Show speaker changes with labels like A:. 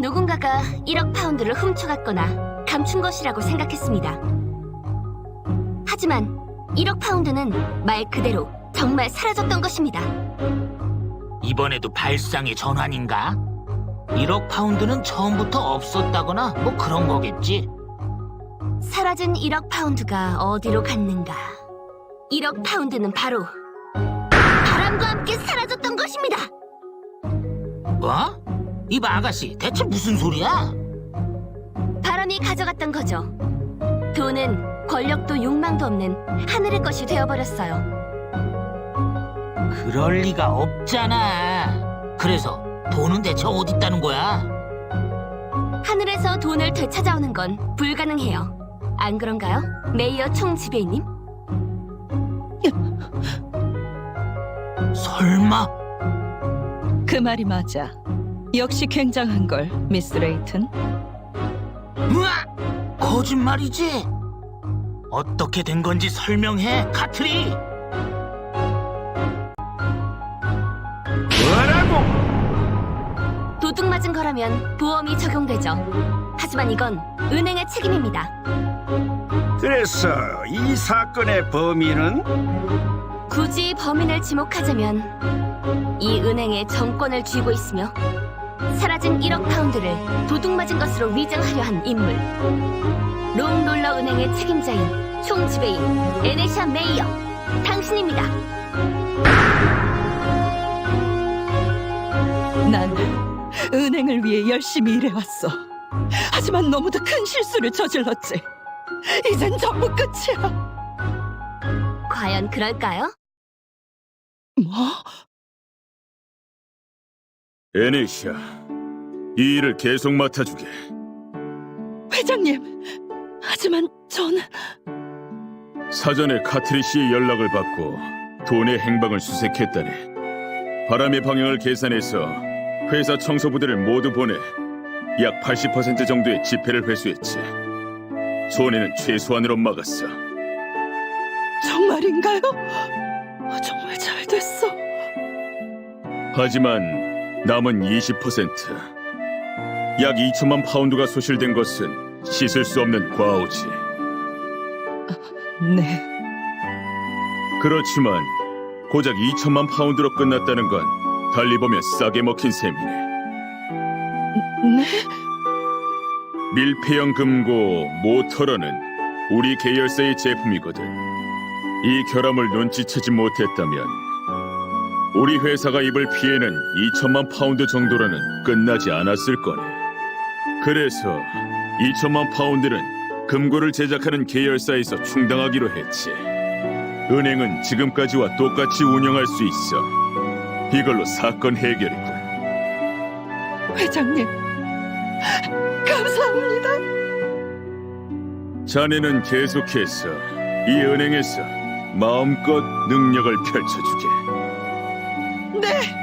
A: 누군가가 1억 파운드를 훔쳐갔거나 감춘 것이라고 생각했습니다. 하지만 1억 파운드는 말 그대로 정말 사라졌던 것입니다.
B: 이번에도 발상의 전환인가? 1억 파운드는 처음부터 없었다거나 뭐 그런 거겠지?
A: 사라진 1억 파운드가 어디로 갔는가? 1억 파운드는 바로 바람과 함께 사라졌던 것입니다.
B: 뭐? 이 아가씨 대체 무슨 소리야?
A: 바람이 가져갔던 거죠. 돈은 권력도 욕망도 없는 하늘의 것이 되어버렸어요.
B: 그럴 리가 없잖아. 그래서 돈은 대체 어디 있다는 거야?
A: 하늘에서 돈을 되찾아오는 건 불가능해요. 안 그런가요? 메이어 총지배인님?
B: 설마?
C: 그 말이 맞아. 역시 굉장한 걸, 미스 레이튼.
B: 으악! 거짓말이지? 어떻게 된 건지 설명해, 카트리!
D: 뭐라고?
A: 도둑 맞은 거라면 보험이 적용되죠. 하지만 이건 은행의 책임입니다.
D: 그래서 이 사건의 범인은?
A: 굳이 범인을 지목하자면 이 은행의 정권을 쥐고 있으며 사라진 1억 파운드를 도둑 맞은 것으로 위장하려 한 인물, 롱롤러 은행의 책임자인 총지배인 에네샤 메이어, 당신입니다.
C: 난 은행을 위해 열심히 일해왔어. 하지만 너무도 큰 실수를 저질렀지. 이젠 전부 끝이야.
A: 과연 그럴까요?
C: 뭐?
E: 에네시아, 이 일을 계속 맡아주게.
C: 회장님, 하지만 저는...
E: 사전에 카트리 씨의 연락을 받고 돈의 행방을 수색했다니. 바람의 방향을 계산해서 회사 청소부들을 모두 보내 약 80% 정도의 지폐를 회수했지. 손해는 최소한으로 막았어.
C: 정말인가요? 정말 잘 됐어.
E: 하지만 남은 20%, 약 2천만 파운드가 소실된 것은 씻을 수 없는 과오지.
C: 네.
E: 그렇지만 고작 2천만 파운드로 끝났다는 건 달리 보면 싸게 먹힌 셈이네.
C: 네?
E: 밀폐형 금고 모터러는 우리 계열사의 제품이거든. 이 결함을 눈치채지 못했다면 우리 회사가 입을 피해는 2천만 파운드 정도로는 끝나지 않았을 거네. 그래서 2천만 파운드는 금고를 제작하는 계열사에서 충당하기로 했지. 은행은 지금까지와 똑같이 운영할 수 있어. 이걸로 사건 해결이군.
C: 회장님, 감사합니다.
E: 자네는 계속해서 이 은행에서 마음껏 능력을 펼쳐주게.
C: 네.